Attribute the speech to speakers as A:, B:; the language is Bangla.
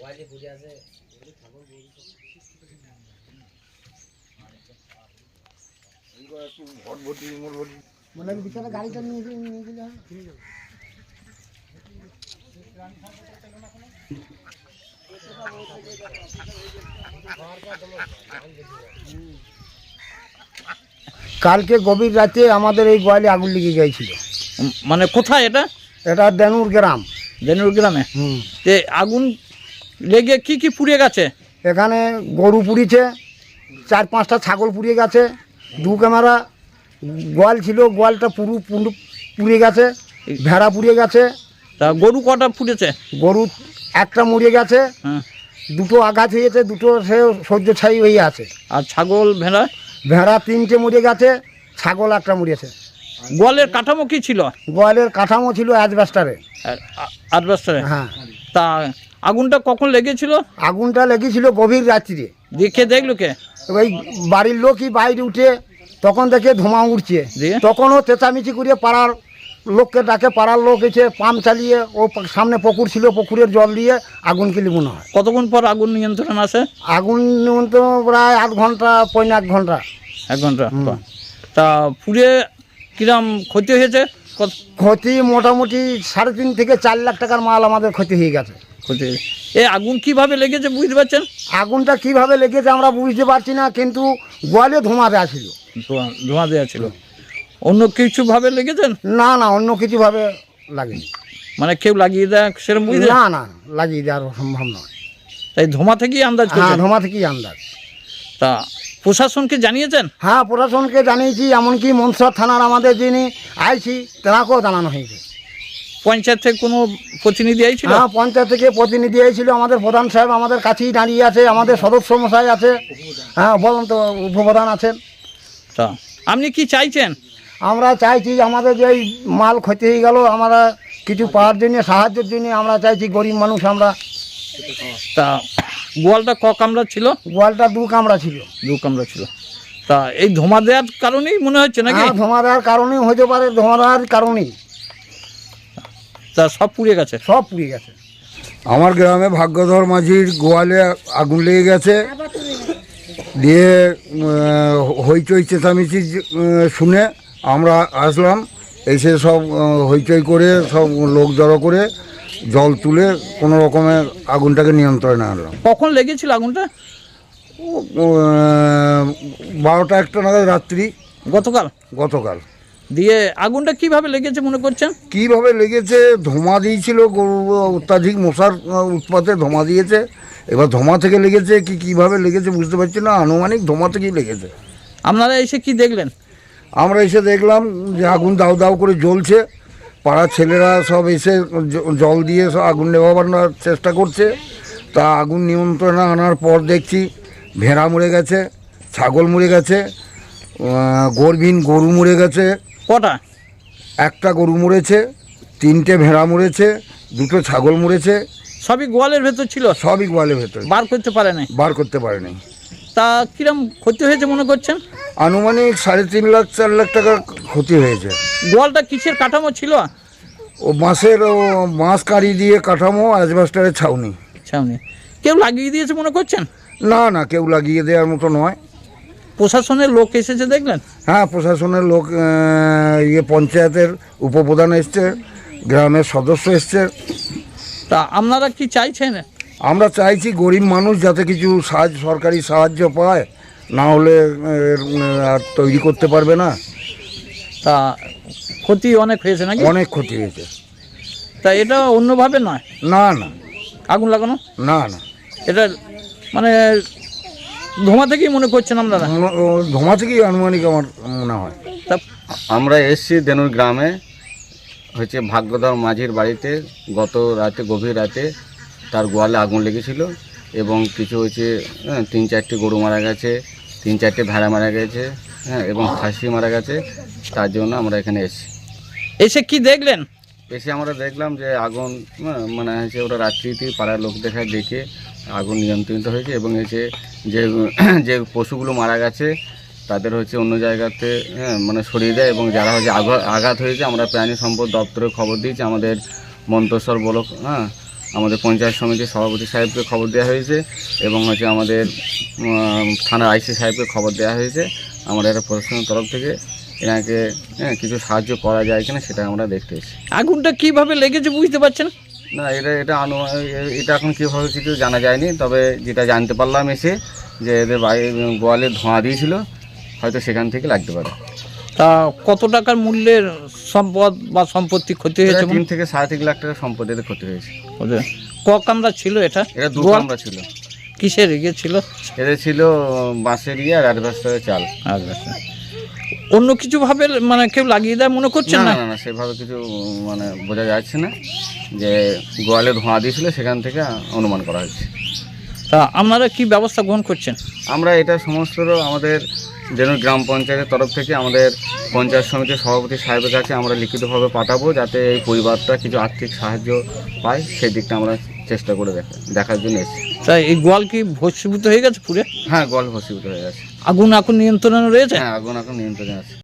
A: গাড়িটা নিয়ে গেলে কালকে গভীর রাতে আমাদের এই গোয়ালে আগুন লেগে গিয়েছিল।
B: মানে কোথায় এটা?
A: এটা দেনুর গ্রাম।
B: দেনুর গ্রামে? তে আগুন লেগে কি কি পুড়ে গেছে?
A: এখানে গরু পুড়িয়েছে, 4-5টা ছাগল পুড়িয়ে গেছে, 2 ক্যামেরা গোয়াল ছিল, গোয়ালটা পুড়ে গেছে, ভেড়া পুড়িয়ে গেছে।
B: তা গরু কটা পুড়েছে?
A: গরু একটা মরে গেছে, 2টো আঘাত হয়েছে, 2টো সে সহ্যছায়ী হয়ে আছে।
B: আর ছাগল ভেড়া?
A: ভেড়া 3টে মরে গেছে, ছাগল একটা মরেছে।
B: গোয়ালের কাঠামো কি ছিল?
A: গোয়ালের কাঠামো ছিল অ্যাজবেস্টারে।
B: অ্যাজবেস্টারে?
A: হ্যাঁ।
B: তা আগুনটা কখন লেগেছিল?
A: আগুনটা লেগেছিল গভীর রাত্রিরে।
B: দেখলো কে?
A: ওই বাড়ির লোকই বাইরে উঠে তখন দেখে ধোঁয়া উঠছে, তখনও চেঁচামেচি করে পাড়ার লোককে ডাকে, পাড়ার লোক এসে পাম্প চালিয়ে, ও সামনে পুকুর ছিল, পুকুরের জল দিয়ে আগুনকে নিবানো হয়।
B: কতক্ষণ পর আগুন নিয়ন্ত্রণ আসে?
A: আগুন নিয়ন্ত্রণ প্রায় 8 ঘন্টা, 1 ঘন্টা।
B: 1 ঘন্টা। তা পুড়ে কিরম ক্ষতি হয়েছে?
A: ক্ষতি মোটামুটি 3.5 থেকে 4 লাখ টাকার মাল আমাদের ক্ষতি হয়ে গেছে।
B: এই আগুন কিভাবে লেগেছে বুঝতে পারছেন?
A: আগুনটা কিভাবে লেগেছে আমরা বুঝতে পারছি না, কিন্তু গোয়ালে ধোঁয়া দেওয়া ছিল।
B: ধোঁয়া দেওয়া ছিল। অন্য কিছু ভাবে লেগেছেন?
A: না না, অন্য কিছু ভাবে লাগেনি।
B: মানে কেউ লাগিয়ে দেয় সেরকম বুঝতে?
A: না না, লাগিয়ে দেওয়ার সম্ভব নয়।
B: তাই ধোঁয়া থেকেই আন্দাজ?
A: হ্যাঁ, ধোঁয়া থেকেই আন্দাজ।
B: তা প্রশাসনকে জানিয়েছেন?
A: হ্যাঁ, প্রশাসনকে জানিয়েছি, এমনকি মনসর থানার আমাদের যিনি আইছি তেনাকেও জানানো হয়েছে।
B: পঞ্চায়েত থেকে কোনো প্রতিনিধি আইছিল?
A: হ্যাঁ, পঞ্চায়েত থেকে প্রতিনিধি আইছিল। আমাদের প্রধান সাহেব আমাদের কাছেই দাঁড়িয়ে আছে, আমাদের সদস্য মশাই আছে। হ্যাঁ, বলুন তো, উপপ্রধান আছেন।
B: তা আপনি কি চাইছেন?
A: আমরা চাইছি আমাদের যে মাল ক্ষতি হয়ে গেল, আমরা কিছু পাওয়ার জন্য, সাহায্যের জন্য আমরা চাইছি, গরিব মানুষ আমরা।
B: তা গোয়ালটা ক কামরা ছিল?
A: গোয়ালটা 2 কামরা ছিল।
B: 2 কামরা ছিল। তা এই ধোঁয়া দেওয়ার কারণেই মনে হচ্ছে নাকি?
A: হ্যাঁ, ধোঁয়া দেওয়ার কারণেই হতে পারে, ধোঁয়া দেওয়ার কারণেই।
B: তা সব পুড়ে গেছে?
A: সব পুড়ে গেছে।
C: আমার গ্রামে ভাগ্যধর মাঝির গোয়ালে আগুন লেগে গেছে, দিয়ে হইচই চেঁচামেচি শুনে আমরা আসলাম, এসে সব হইচই করে সব লোক জড়ো করে জল তুলে কোনো রকমে আগুনটাকে নিয়ন্ত্রণে আনলাম।
B: কখন লেগেছিল আগুনটা?
C: 12টা-1টা নাগাদ রাত্রি, গতকাল।
B: দিয়ে আগুনটা কিভাবে লেগেছে মনে করছেন?
C: কিভাবে লেগেছে, ধোঁয়া দিয়েছিল, গরু অত্যাধিক মশার উৎপাতে ধোঁয়া দিয়েছে। এবার ধোঁয়া থেকে লেগেছে কিভাবে লেগেছে বুঝতে পারছি না, আনুমানিক ধোঁয়া থেকেই লেগেছে।
B: আপনারা এসে কি দেখলেন?
C: আমরা এসে দেখলাম যে আগুন দাউ দাউ করে জ্বলছে, পাড়ার ছেলেরা সব এসে জল দিয়ে সব আগুন নেভানোর চেষ্টা করছে। তা আগুন নিয়ন্ত্রণে আনার পর দেখছি ভেড়া মরে গেছে, ছাগল মরে গেছে, গর্ভীন গরু মরে গেছে।
B: কটা?
C: 1টা গরু মরেছে, 3টে ভেড়া মরেছে, 2টো ছাগল মরেছে।
B: সবই গোয়ালের ভেতর ছিল?
C: সবই গোয়ালের ভেতর।
B: বার করতে পারে নাই?
C: বার করতে পারে নাই।
B: তা কিরম ক্ষতি হয়েছে মনে করছেন?
C: আনুমানিক 3.5 লাখ 4 লাখ টাকা ক্ষতি হয়েছে।
B: গোয়ালটা কিসের কাঠামো ছিল?
C: ও বাঁশ কাঁড়ি দিয়ে কাঠামো, অ্যাজবেস্টারের ছাউনি।
B: কেউ লাগিয়ে দিয়েছে মনে করছেন?
C: না না, কেউ লাগিয়ে দেওয়ার মতো নয়।
B: প্রশাসনের লোক এসেছে দেখলেন?
C: হ্যাঁ, প্রশাসনের লোক, পঞ্চায়েতের উপপ্রধান এসছে, গ্রামের সদস্য এসছে।
B: তা আপনারা কি চাইছেন?
C: আমরা চাইছি গরিব মানুষ যাতে কিছু সরকারি সাহায্য পায়, না হলে আর তৈরি করতে পারবে না।
B: তা ক্ষতি অনেক হয়েছে নাকি?
C: অনেক ক্ষতি হয়েছে।
B: তা এটা অন্যভাবে নয়?
C: না না,
B: আগুন লাগানো
C: না না,
B: এটা মানে ধোঁয়া থেকেই মনে করছেন আপনারা?
C: ধোঁয়া থেকেই আনুমানিক আমার মনে হয়।
B: তা
D: আমরা এসছি দেনুর গ্রামে, হচ্ছে ভাগ্যধর মাঝির বাড়িতে গত রাতে, গভীর রাতে তার গোয়ালে আগুন লেগেছিল এবং কিছু হচ্ছে 3-4টি গরু মারা গেছে, 3-4টে ভেড়া মারা গেছে, হ্যাঁ, এবং খাসি মারা গেছে। তার জন্য আমরা এখানে এসেছি।
B: এসে কি দেখলেন?
D: এসে আমরা দেখলাম যে আগুন, মানে হচ্ছে ওরা রাত্রিতে পাড়ার লোক দেখে আগুন নিয়ন্ত্রিত হয়েছে এবং এসে যে পশুগুলো মারা গেছে তাদের হচ্ছে অন্য জায়গাতে মানে সরিয়ে দেয়, এবং যারা হচ্ছে আঘাত হয়েছে আমরা প্রাণী সম্পদ দপ্তরে খবর দিয়েছি, আমাদের মন্তেশ্বর ব্লক আমাদের পঞ্চায়েত সমিতির সভাপতি সাহেবকে খবর দেওয়া হয়েছে এবং হচ্ছে আমাদের থানার আইসি সাহেবকে খবর দেওয়া হয়েছে। আমরা একটা প্রশাসনের তরফ থেকে এনাকে কিছু সাহায্য করা যায় কিনা সেটা আমরা দেখতে এসেছি।
B: আগুনটা কিভাবে লেগেছে বুঝতে পারছেন?
D: না, এটা এখন কীভাবে কিছু জানা যায়নি, তবে যেটা জানতে পারলাম এসে যে এদের গোয়ালে ধোঁয়া দিয়েছিল, হয়তো সেখান থেকে লাগতে পারে।
B: তা কত টাকার মূল্যের সম্পদ বা সম্পত্তি ক্ষতি হয়েছে?
D: 3 থেকে 3.5 লাখ টাকার সম্পত্তিতে ক্ষতি হয়েছে।
B: ক কামরা ছিল এটা?
D: এটা 2 কামরা ছিল।
B: কিসের ইয়ে ছিল?
D: এদের ছিল বাঁশের আর অ্যাডভাস্টারের চাল।
B: আচ্ছা, অন্য কিছু ভাবে মানে কেউ লাগিয়ে দেয় মনে করছেন?
D: না, না, সেভাবে কিছু মানে বোঝা যাচ্ছে না, যে গোয়ালে ধোঁয়া দিয়েছিল সেখান থেকে অনুমান করা হচ্ছে।
B: তা আপনারা কি ব্যবস্থা গ্রহণ করছেন?
D: আমরা এটা সমস্ত আমাদের দেনুর গ্রাম পঞ্চায়েতের তরফ থেকে আমাদের পঞ্চায়েত সমিতির সভাপতি সাহেবের কাছে আমরা লিখিতভাবে পাঠাবো, যাতে এই পরিবারটা কিছু আর্থিক সাহায্য পায়, সেই দিকটা আমরা চেষ্টা করে দেখার জন্য এসেছি।
B: তাই এই গোয়াল কি ভস্মীভূত হয়ে গেছে পুরে?
D: হ্যাঁ, গোয়াল ভস্মীভূত হয়ে গেছে।
B: আগুন এখন নিয়ন্ত্রণে রয়েছে?
D: হ্যাঁ, আগুন এখন নিয়ন্ত্রণে আছে।